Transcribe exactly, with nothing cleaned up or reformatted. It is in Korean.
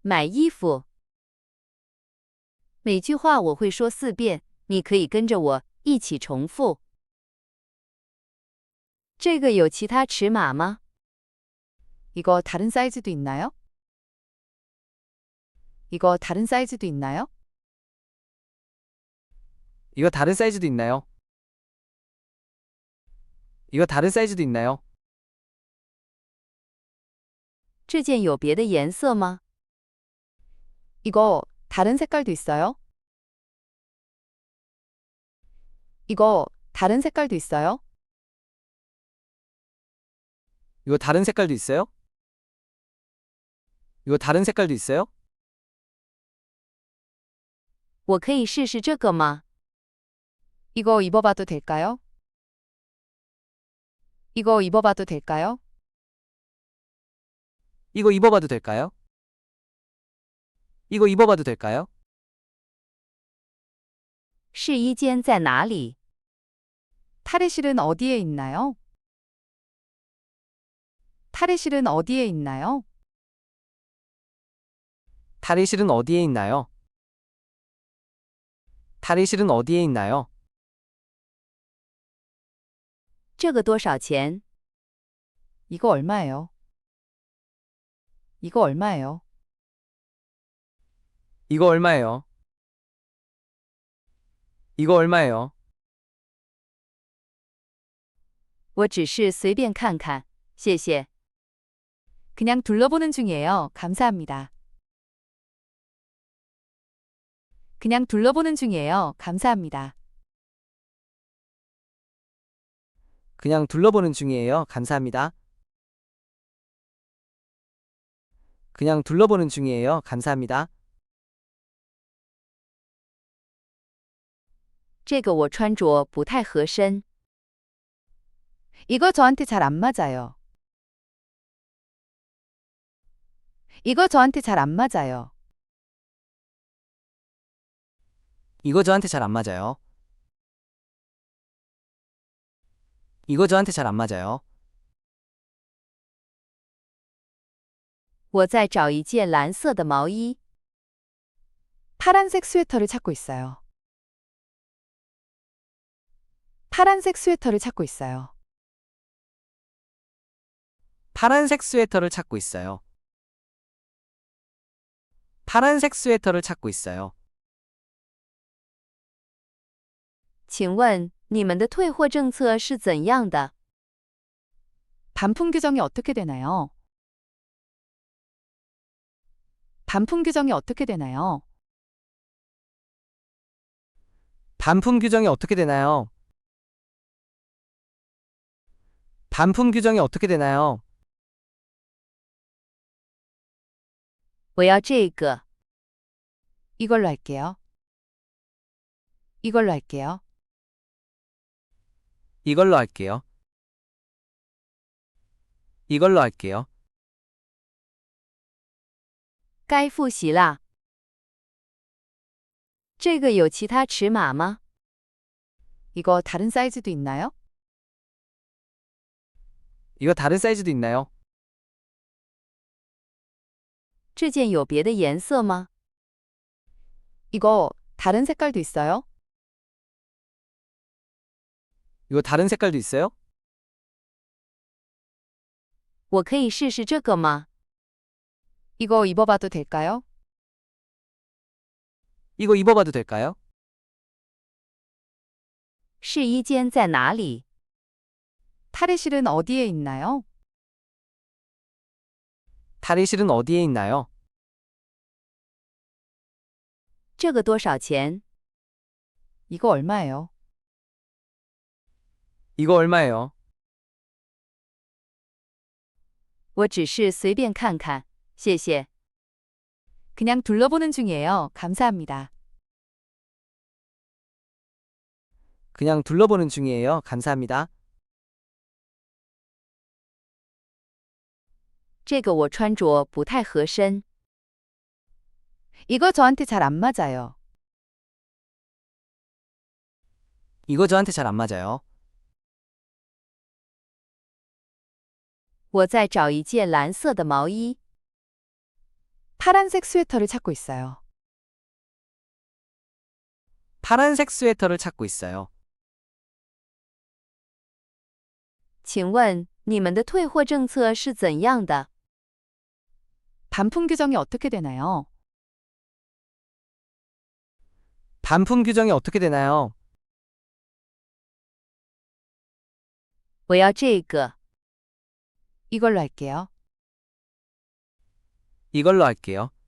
买衣服。每句话我会说四遍，你可以跟着我一起重复。这个有其他尺码吗？ 이거 다른 사이즈도 있나요? 이거 다른 사이즈도 있나요? 이거 다른 사이즈도 있나요? 이거 다른 사이즈도 있나요? 这件有别的颜色吗？ 이거 다른 색깔도 있어요? 이거 다른 색깔도 있어요? 이거 다른 색깔도 있어요? 이거 다른 색깔도 있어요? 我可以试试这个吗？ 이거 입어봐도 될까요? 이거 입어봐도 될까요? 이거 입어봐도 될까요? 이거 입어봐도 될까요? 试衣间在哪里？ 탈의실은 어디에 있나요? 탈의실은 어디에 있나요? 탈의실은 어디에 있나요? 탈의실은 어디에 있나요? 这个多少钱？ 이거 얼마예요? 이거 얼마예요? 이거 얼마예요? 이거 얼마예요? 我只是随便看看，谢谢。 그냥 둘러보는 중이에요. 감사합니다. 그냥 둘러보는 중이에요. 감사합니다. 그냥 둘러보는 중이에요. 감사합니다. 그냥 둘러보는 중이에요. 감사합니다. 这个我穿着不太合身。 이거 저한테 잘 안 맞아요. 이거 저한테 잘 안 맞아요. 이거 저한테 잘 안 맞아요. 이거 저한테 잘 안 맞아요. 我在找一件蓝色的毛衣。 파란색 스웨터를 찾고 있어요. 파란색 스웨터를 찾고 있어요. 파란색 스웨터를 찾고 있어요. 파란색 스웨터를 찾고 있어요. 请问你们的退货政策是怎样的？ 반품 규정이 어떻게 되나요? 반품 규정이 어떻게 되나요? 반품 규정이 어떻게 되나요? 반품 규정이 어떻게 되나요? 我要这个。 이걸로 할게요. 이걸로 할게요. 이걸로 할게요. 이걸로 할게요. 该复习啦。这个有其他尺码吗？ 이거 다른 사이즈도 있나요? 이거 다른 사이즈도 있나요? 这件有别的颜色吗？ 이거 다른 색깔도 있어요? 이거 다른 색깔도 있어요? 我可以试试这个吗？ 이거 입어봐도 될까요? 이거 입어봐도 될까요? 试衣间在哪里？ 탈의실은 어디에 있나요? 탈의실은 어디에 있나요? 这个多少钱？ 이거 얼마예요? 이거 얼마예요? 我只是随便看看，谢谢。 그냥 둘러보는 중이에요. 감사합니다. 그냥 둘러보는 중이에요. 감사합니다. 这个我穿着不太合身。 이거 저한테 잘 안 맞아요. 이거 저한테 잘 안 맞아요. 我在找一件蓝色的毛衣。 파란색 스웨터를 찾고 있어요. 파란색 스웨터를 찾고 있어요. 请问你们的退货政策是怎样的？ 반품 규정이 어떻게 되나요? 반품 규정이 어떻게 되나요? 我要这个。 이걸로 할게요. 이걸로 할게요.